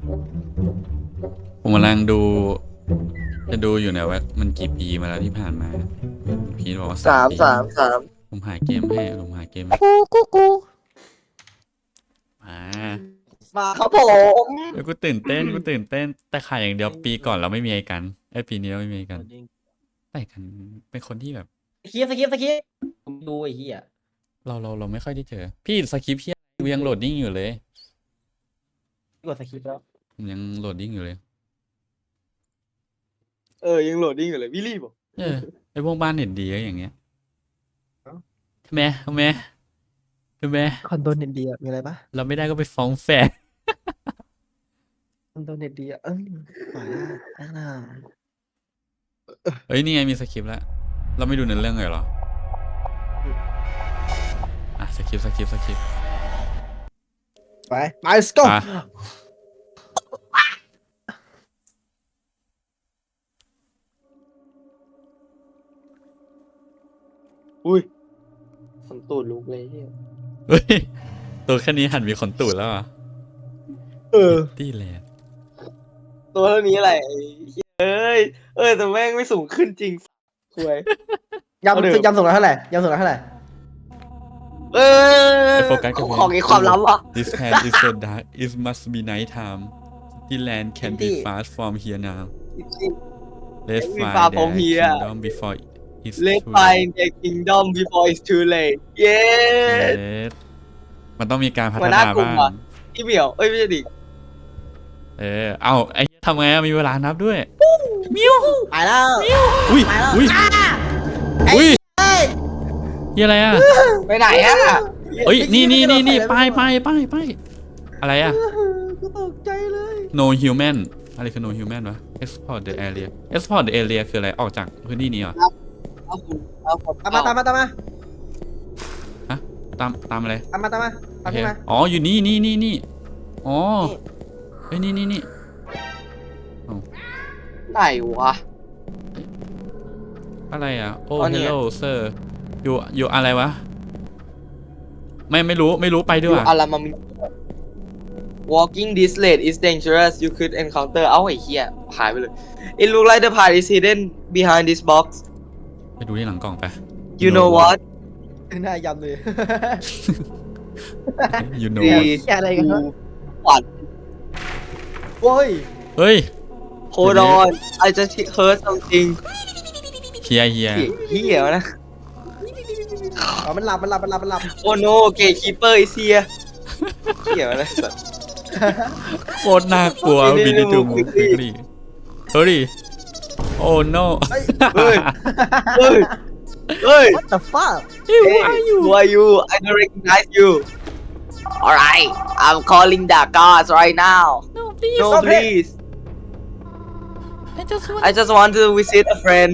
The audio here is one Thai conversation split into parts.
ผมกำลังดูจะดูอยู่เนี่ยว่ามันกี่ปีมาแล้วที่ผ่านมาพีทบอกว่า3 ปี 3 ผมหาเกมให้มามาครับผมแล้วกูตื่นเต้นแต่ขายอย่างเดียวปีก่อนเราไม่มีไอ้กันปีนี้เราไม่มีไอ้กันแต่กันเป็นคนที่แบบสคริปต์ผมดูไอ้เหี้ยเราไม่ค่อยได้เจอพี่สคริปต์พี่กูยังโหลดดิ้งอยู่เลยกดสคริปต์แล้วผมยังโหลดดิ้งอยู่เลยยังโหลดดิ้งอยู่เลยวิลลี่บอกไอพวกบ้านเน็ตดีก็อย่างเงี้ยทำไมคอนโดเน็ตดีอ่ะมีอะไรปะเราไม่ได้ก็ไปฟ้องแฟนคอนโดเน็ตดีอ่ะขวาอ่าเฮ้ยนี่ไงมีสคริปต์แล้วเราไม่ดูเนื้อเรื่องเลยเหรอสคริปต์ไป let's go อ่ะอุ้ยขนตูดลุกเลยเนี่ยเฮ้ยตัวแค่นี้หันมีขนตูดแล้วเหรอ่ะตี้แลนด์ตัวเท่านี้อะไรแต่แม่งไม่สูงขึ้นจริงคุยยำส่งแล้วเท่าไหร่ไอโฟกัสกับของไอ้ความลับอ่ะ This hand is so dark it must be night time the land can be fast from here now let's Can be find far their from here. kingdom before it's Let's too find the kingdom before it's too late เย้ late มันต้องมีการพัฒหัวหน้านากลุ่มบ้างอ่ะ พี่เหมียวไม่ใช่ดิเอาไอ้ทำไงมีเวลานับด้วยไปแล้วอุ้ยไปแล้วอุ้ยยี่อะไรอ่ะไปไหนอ่ะเอ้ยนี่ไปอะไรอ่ะกูตกใจเลย no human อะไรคือ no human วะ export the area คืออะไรออกจากพื้นที่นี้เหรอเอาผมตามมาฮะตามอะไรตามมาโอเคมาอ๋ออยู่นี่อ๋อเฮ้ยนี่ไหนวะอะไรอ่ะโอ้อ๋อเนี่ย hello sir อยู่อะไรวะไม่รู้ไปด้อวยยู่อารามามิ Walking this late is dangerous you could encounter เอ้าไอ้เหี้ยหายไปเลย It look like the part is hidden behind this box ไปดูที่หลังกล่องไป You know what หน้ายำเลย you know ดี what อะไรกันวะขวัญโว้ยเฮ้ย Hold on I just heard something เฮียเหี้ยวะนะอ๋อมันหลับ Oh no gatekeeper is here เหี้ยวะนะโคตรน่ากลัวนี่วิดีทูมูนี่คลิกลี่เฮ้ยโอ้ no เฮ้ย what the fuck Hey, who are you? I don't recognize you. Alright, I'm calling the guards right now. No, stop it. please. I just want to visit a friend.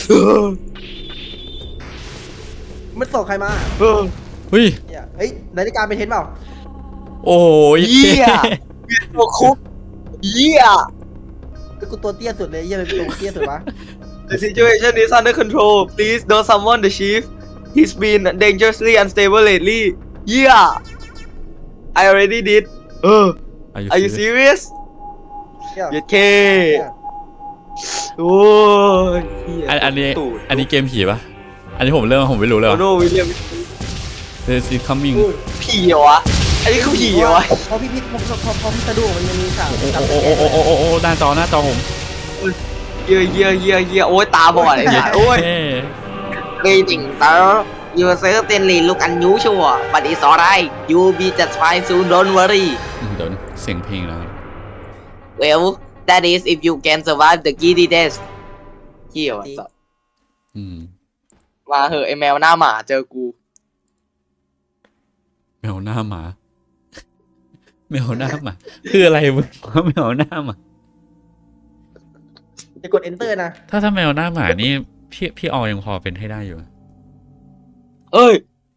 มันส่งใครมาเฮ้ยเนี่ยเฮ้ยนาฬิกาเป็นเทนเปล่าโอ้ยเหี้ย ตัวคุกเหี้ยกูตัวเตี้ยสุดเลยเหี้ยเป็นตัวเตี้ยสุดวะ The situation is under control. Please don't summon the chief. He's been dangerously unstable lately. Yeah. I already did. Are you serious? เนี่ย YK. โอ้ยเหี้ยอันนี้ตูดอันนี้เกมผีปะอันนี้ผมไม่รู้เลยโอว่ะโนวิลเลียม This is coming ผีเหรอวะ อันนี้คือผีเหรอวะพอพี่สะดุ้งมันยังมีฉากโอ้หน้าจอผมเยี่ยโอ้ยตาบอดไอ้สัสโอ้ยเฮ้ Greeting sir You certainly look unusual but it's alright You'll be just fine soon don't worry เดี๋ยวเสียงเพลงแล้ว Well that is if you can survive the giddy test เหี้ยวะสัส มาเหอะไอแมวหน้าหมาเจอกูแมวหน้าหมา คืออะไรมึงแมวหน้าหมาจะกด enter นะถ้าแมวหน้าหมานี่พี่ออยังพอเป็นให้ได้อยู่เอ้ย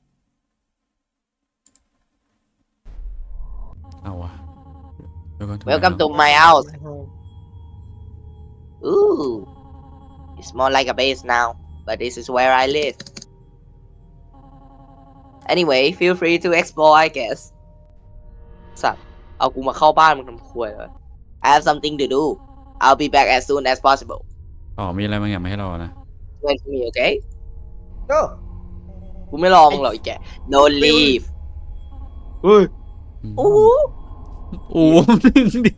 เอาวะ Welcome to my house Ooh It's more like a base now but this is where I live Anyway feel free to explore I guess สัตว์เอากูมาเข้าบ้านมึงทำครัวเลย I have something to do I'll be back as soon as possible อ๋อมีอะไรบางอย่างมาให้เรานะ wait for me okay go กูไม่รอมึงหรอกไอ้แก don't leave เฮ้ยโอ้โหโอ้หนึ่งดิ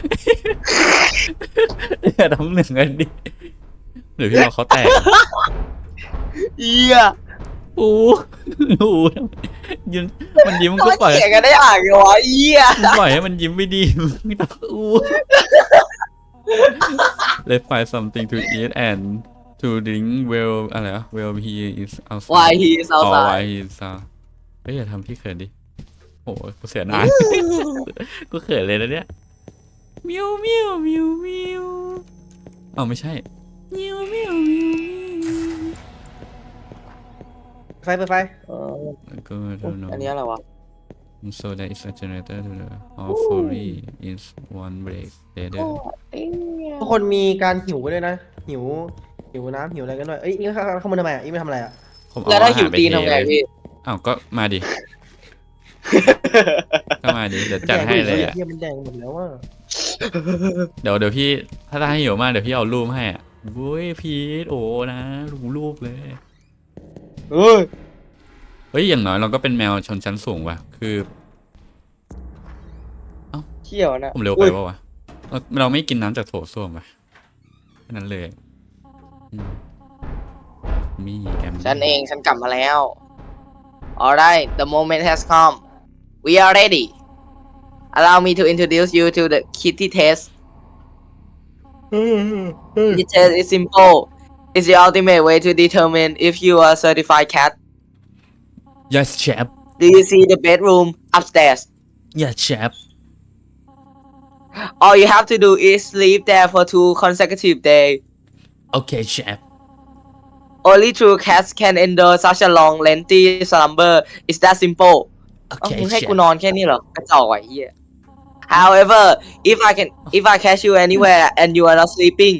อย่าทำหนึ่งกันดิเดี๋ยวพี่เราเขาแตกเหี้ยโอ้โหยืนมันยิ้มมันก็ทำไมปล่อยเขียนกันได้อ่างไงวะเหี้ยมึงปล่อยให้มันยิ้มไม่ดีมึงต้องอู้ Let's find something to eat and to drink well อะไรวะ well he is outside why he is อ๋อ outside why he is outside เฮ้ยอย่าทำพี่เขินดิโอ้โหกูเสียดายกูเขินเลยนะเนี่ยมิวมิวมิวมิวอ้าวไม่ใช่มิวมิวมิวมิวไฟเปิดไฟก็ don't know อันนี้อะไรวะ so there is a generator to the all fully is one break later ทุกคนมีการหิวไปด้วยนะหิวน้ำหิวอะไรกันด้วยเอ้ยนี่ข้างบนทำไมอ่ะอีไม่ทำอะไรอ่ะผมเอแล้วถ้าหิวอรไปตีนทำไงเทพี่อ้าวก็มาดิ ก็มาดิ เดี๋ยวจัดให้เลยอ่ะเฮียมันแดงหมดแล้วว่าเดี๋ยวพี่ ถ้าให้หิวมากเดี๋ยวพี่เอารูปให้อ่ะโว้ยพีทโอ้นะรูปเลยเฮ้ยเฮ้ยอย่างน้อยเราก็เป็นแมวชนชั้นสูงว่ะ คือเที่ยวนะผมเร็วไปป่าวะเราไม่กินน้ำจากโถส้วมว่ะแค่นั้นเลยอืมมีแกมฉันเองฉันกลับมาแล้ว alright the moment has come we are ready allow me to introduce you to the kitty test the test is simple it's the ultimate way to determine if you are a certified cat yes chef do you see the bedroom upstairs yes chef all you have to do is sleep there for 2 consecutive days okay chef only true cats can endure such a long lengthy slumber it's that simple เอ้า okay มึงให้ chef กูนอนแค่นี้เหรอกระจอกไอ้เหี้ย however if I catch you anywhere and you are not sleeping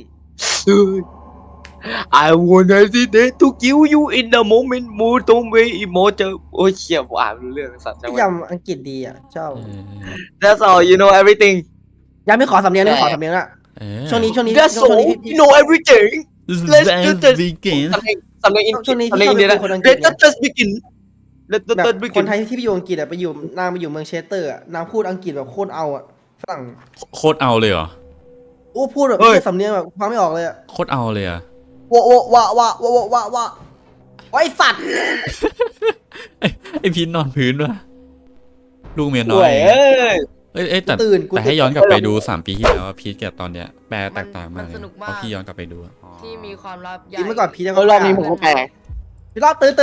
I want hesitate to kill you in the moment mood don't wait emotion โอ้ยเชี่ยผมอ่านไม่รู้เรื่องสัตว์จังพี่หวะยำอังกฤษดีอ่ะชอบ That's all you know everything ยังไม่ขอสำเนียงไม่ขอสำเนียงอ่ะช่วงนี้ That's ช่วง all นี้ you know everything Let's just begin สำเนียงอินช่วงนี้สำเนียงอินเดียนะคนอังกฤษ Let's just begin Let's แบบ just ค begin นไทยที่ไปอยู่อังกฤษอ่ะไปอยู่นางไปอยู่เมืองเชสเตอร์อ่ะนางพูดอังกฤษแบบโคตรเอาอ่ะฝรั่งโคตรเอาเลยเหรอโอ้พูดแบบเฮ้ยสำเนียงแบบฟังไม่ออกเลยอ่ะโคตรเอาเลยอ่ะวะไอ้สัตว์ไอพีนนอนพื้นว่ะลูกเมียน้สอวย ยเอ้ยแต่ตื่นกูแต่ให้ย้อนกลับไปดู3 ปีที่แล้วอะพีทกับตอนเนี้ยแปลแตกต่างมากมันเลยสนุกเพมากราะพี่ย้อนกลับไปดูอะที่มีความลับใหญ่กินเมื่อก่อนพีจะรอบนี้ผมก็แปลพี่รอบตื่น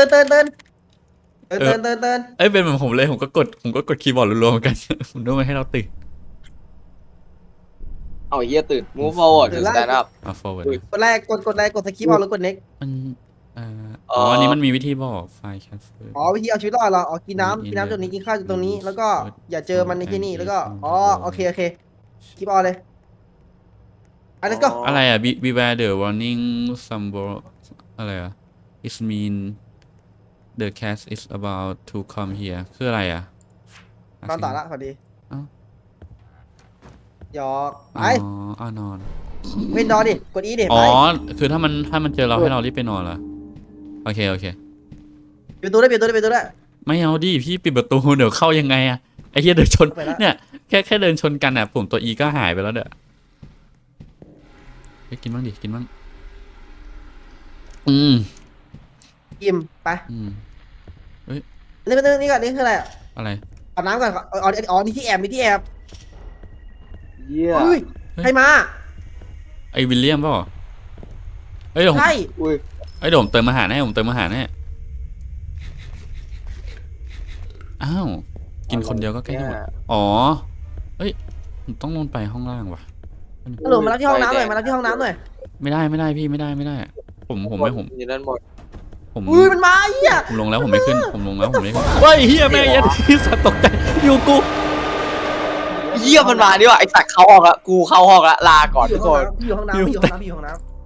เอ้ยเป็นเหมือนผมเลยผมก็กดคีย์บอร์ดรัวๆเหมือน กัน ผมนึกว่าให้เราตื่นเอาเฮียตื่น move forward to stand up มา forward อุ้ยกดแรกกดสกิปเอาแล้วกด next มันอ๋ออันนี้มันมีวิธีบอกไฟล์แคสเฟอร์อ๋อวิธีเอาชีวิตรอดเราอ๋อกินน้ำตรงนี้กินข้าวตรงนี้แล้วก็อย่าเจอมันในที่นี่แล้วก็อ๋อโอเคคลิปเอาเลยอ่ะ let's go อะไรอ่ะ beware the warning symbol อะไรอ่ะ it mean the cat is about to come here คืออะไรอ่ะนอนต่อละพอดีเอ้าหยอกไปอ๋อนอนเว้นนอนดิกดอีดิอ๋ไปอ คือถ้ามันเจอเราให้เรารีบไปนอนเหรอ โอเคปิดประตูได้ไม่เอาดิพี่ปิดประตูเดี๋ยวเข้ายังไงอะไอ้เหี้ยเดินชนไปละเนี่ยแค่เดินชนกันอะปุ่มตัว E ก็หายไปแล้วเด้อไปกินบ้างดิกินบ้างอืมกิมไปอืมนี่ก่อนนี่คืออะไรอะไรอาบน้ำก่อนอ๋อนี่ที่แอบเยี่ยเฮ้ยใครมาไอ้วิลเลียมเปล่าเอ้ยเดี๋ยวผมใช่อุ้ยเอ้ยเดี๋ยวผมเติมอาหารให้ผมเติมอาหารให้อ้าวกินคนเดียวก็ใกล้จะหมดอ๋อเอ้ยผมต้องลงไปห้องล่างว่ะฮัลโหลมารับที่ห้องน้ำหน่อยไม่ได้พี่ไม่ได้ผมอยู่นั่นหมดอุ้ยมันมาเหี้ยผมลงแล้วผมไม่ขึ้นเฮ้ยเฮียแม่ยัดที่สัตว์ตกใจอยู่กูเยี่ยมันมาดิว่ะไอ้สัตว์เข้าห้องละกูเข้าห้องละลาก่อนทุกคนพี่อยู่ห้องน้ำพี่อยู่ห้องน้ำพี่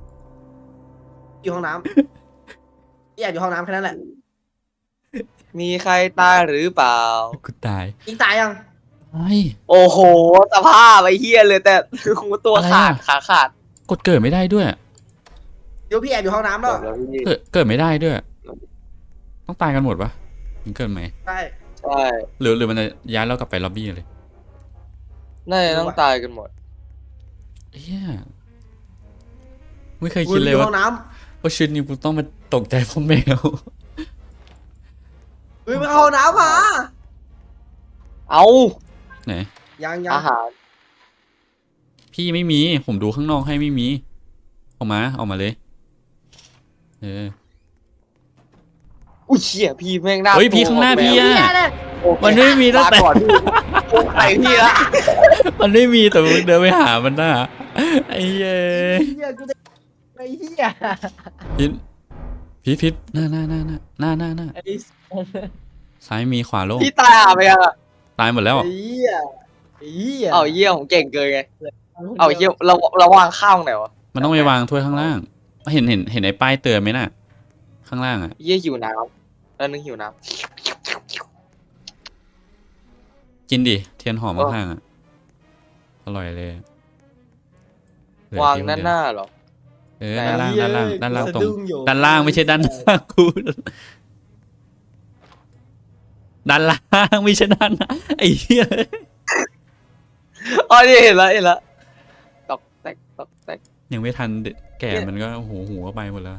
แอบอยู่ห้องน้ำแค่นั้นแหละมีใครตายหรือเปล่ากูตายยิงตายยังโอ้โหสภาพไอ้เฮียเลยแต่หูตัวขาดขาขาดกดเกิดไม่ได้ด้วยเดี๋ยวพี่แอบอยู่ห้องน้ำแล้วเกิดไม่ได้ด้วย ต้องตายกันหมดปะถึงเกิดไหมใช่ใช่หรือมันจะย้ายเรากลับไปล็อบบี้เลยน่าจะต้องตายกันหมดเฮียไม่เคยคุคิณดอเลยยู่ว่าห้องน้ว่าชีวิตนี้กูต้องมาตกใจเพราะแมวำเฮ้ยมาเข้าห้องน้ำมาเอาไหนยังอาหารพี่ไม่มี ผมดูข้างนอกให้ไม่มี ออกมาเลยอุ้ยเชี่ยพี่แม่งหน้าเฮ้ยพี่ข้างหน้าพี่อะ มันไม่มีตั้งแต่ก่อนพี่ใส่พี่ละมันไม่มีแต่มึงเดินไปหามันน่ะไอ้เย้เฮียกูจะไอ้เฮียพิษหน้าซ้ายมีขวาโล่งพี่ตายหาไปยังอะตายหมดแล้วไอ้เฮียไอ้เฮียเอาเยี่ยผมเก่งเกินไงเอาเยี่ยเราวางข้าวไหนวะมันต้องไปวางถ้วยข้างล่าง เห็นไอ้ป้ายเตือนไหมน่ะ ข้างล่างอ่ะเยี่ยหิวน้ำแล้วนึงหิวน้กินดิ เทียนหอมข้างๆอ่ะ อร่อยเลยเหลือำวางพี่คด้านเดียวหน้าเหรอด้านล่างตรงสะดุ้อยู่ด้านล่างไม่ใช่ด้านหน้ากูด้านล่างไม่ใช่ด้านหน้าไอ้เหี้ยอ๋อนี่เห็นแล้วตอกแตกยังไม่ทันแก่มันก็หูก็ไปหมดแล้ว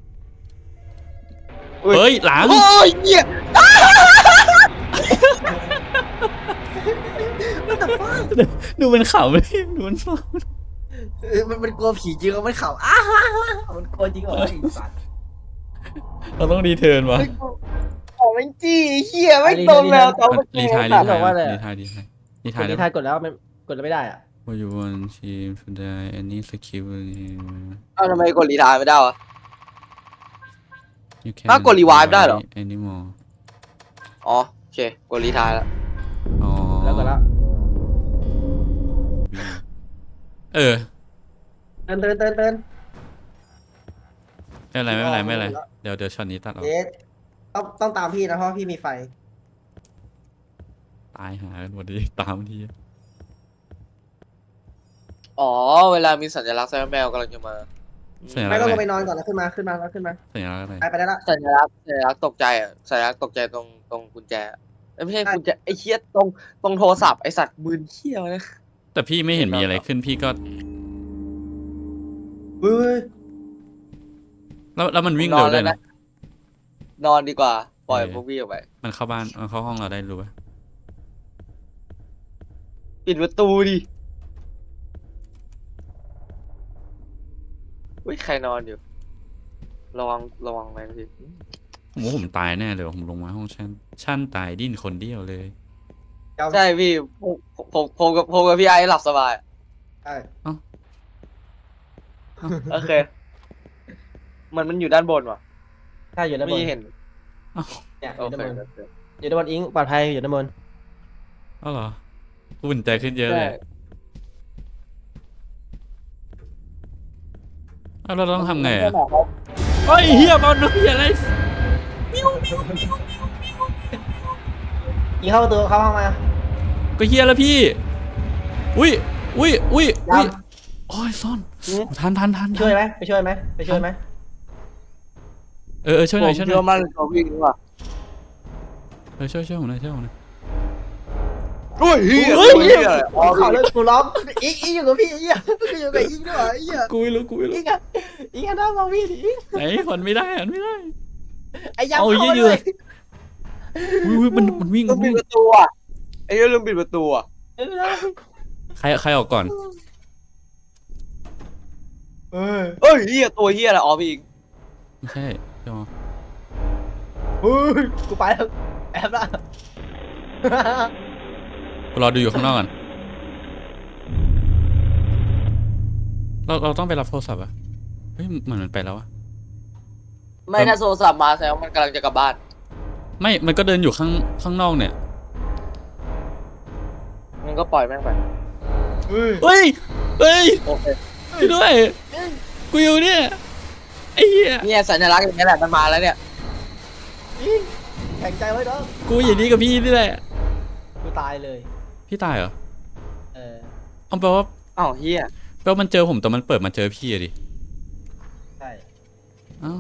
อุ๊ยเฮ้ยหลังโอ้ยเยี่ยดูมันขำเลยดูมันขมันกลัวผีจริงเอามันเข่ามันกลัวจริงเหรอไอ้สัตว์ำเราต้องรีเทิร์นวะของมันจี้เฮียไม่ตรงแล้วตอนรีทายรีทายว่าอะไรอะรีทายกดได้ที่ทายกดแล้วมันกดแล้วไม่ได้อ่ะว่าอยู่บนทีมสุดท้ายอันนี้สกิลเอาทำไมกดรีไทายไม่ได้วะ ถ้ากด revive ได้เหรอ anymore อ๋อโอเคกดรีไทายแล้วอ๋อแล้วก็แล้วเออเตือนไม่เป็นไรเดี๋ยวช็อตนี้ตัดออกเดทต้องตามพี่นะเพราะพี่มีไฟตายหากันหมดดิตามทีอ๋อเวลามีสัญลักษณ์แซมแมวกำลังจะมาสัญลัไม่กษณ์ก็อะลไรงไปนอนก่อนแล้วขึ้นมาสัญลักษณ์อะไรไปได้ละสัญลักษณ์ตกใจอ่ะสัญลักษณ์ตกใจตรงกุญแจเอ้ยไม่ใช่กุญแจไอ้เคียตรงโทรศัพท์ไอ้สัตว์มืนเคี้ยวนะแต่พี่ไม่เห็นมีอะไรขึ้นพี่ก็เฮ้ยแล้วมันวิ่งเร็วด้วยนะนอนดีกว่าปล่อยเออพวกพี่ออกไปมันเข้าบ้านมันเข้าห้องเราได้รู้ป่ะปิดประตูดิอุ้ยใครนอนอยู่ระวังแรงสิผมว่าผมตายแน่เลยว่ะผมลงมาห้องชั้นตายดิ้นคนเดียวเลยใช่พี่ผมกับพี่ไอ้หลับสบายใช่โอเคมันอยู่ด้านบนว่ะใช่อยู่ด้านบไม่นเห็นเนี่ยอโอยู่ด้านเคบนอยู่ด้านบนอิงปลอดภัยอยู่ด้านบนอ้าวเหรออุ่นใจขึ้นเยอะเลยอ้าวเราต้องทำไงอ่ะเฮ้ยเฮียบอลน้ำเฮียอะไรอิงเข้าประตูเข้าห้องมาก็เฮียแล้วพี่ อุ้ยยังโอ้ยซ่อนทันช่วยไหมไปช่วยไหมช่วยหน่อยผมเชื่อมั่นในตัวพี่ดีกว่าช่วยผมหน่อยเฮ้ยเฮ้ยข่าวเลยกูร้องอิงอยู่กับพี่อิงอยู่กับอิงด้วยอิงอ่ะกูไม่รู้อิงอ่ะอิงอ่ะน่ามองพี่ดิอิงไหนหันไม่ได้ไอ้ยังเอาเข้าเยมาอะเลยอุ้ยมันวิ่งลืมปิดประตูอ่ะไอ้เรื่องลืมปิดประตูอ่ะใครออกก่อนเออเอ้ยเฮียตัวเฮียอะไรอ๋อพี่อีกไม่ใช่จอเฮ้ยกูไปแล้วแอบละกูรอดูอยู่ข้างนอกก่อนเราต้องไปรับโทรศัพท์อ่ะเฮ้ยเหมือนมันไปแล้วอะไม่ถ้าโทรศัพท์มาแสดงว่ามันกำลังจะกลับบ้านไม่มันก็เดินอยู่ข้างนอกเนี่ยมันก็ปล่อยแม่งไปเฮ้ยโอเคช่วยด้วยกูอยู่เนี่ยไอ้เหี้ยเนี่ยสัญลักษณ์อย่างนี้แหละมันมาแล้วเนี่ยแข็งใจไว้เนาะกูอย่างนี้กับพี่นี่แหละกูตายเลยพี่ตายเหรอเออเอาแปลว่าอ้าวเฮียแปลว่ามันเจอผมแต่มันเปิดมาเจอพี่อะดิใช่เอ้า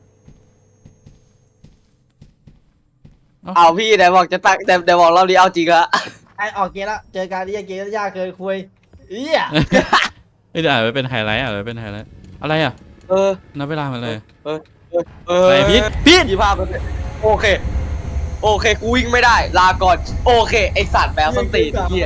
เอาพี่ไหนบอกจะตักแต่บอกเราดีเอาจริงอะไอออกเกมละเจอการที่เกมยากเกินคุยเอี้ยเอ้ยเดี๋ยวอ่านไว้เป็นไฮไลท์อ่านไว้เป็นไฮไลท์อะไรอ่ะเออนับเวลามันเลยอะไรพีทพีท 25%โอเค โอเค กูวิ่งไม่ได้ ลาก่อน โอเค ไอสัตว์แมวส้นตีนไอ้เหี้ย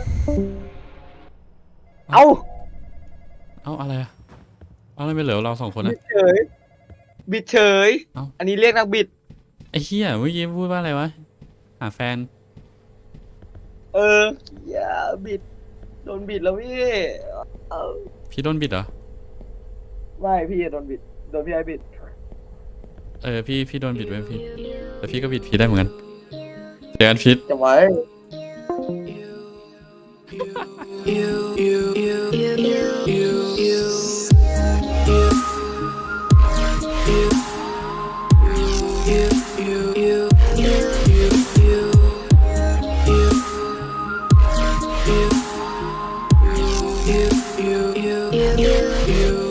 เอ้าเอ้าอะไรอ่ะเอาอะไรไม่เหลือเรา2 คนบิอ่ะดเฉย บิดเฉยเอ้าอันนี้เรียกนักบิดไอ้เหี้ยเมื่อกี้พูดว่าอะไรวะหาแฟนเออ อย่าบิด โดนบิดแล้วพี่เออพี่โดนบิดเหรอไม่พี่โดนบิด โดนพี่ไอบิดพี่โดนบิดไว้พี่แต่พี่ก็บิดพี่ได้เหมือนกันเจอกันพีทจะไว้ you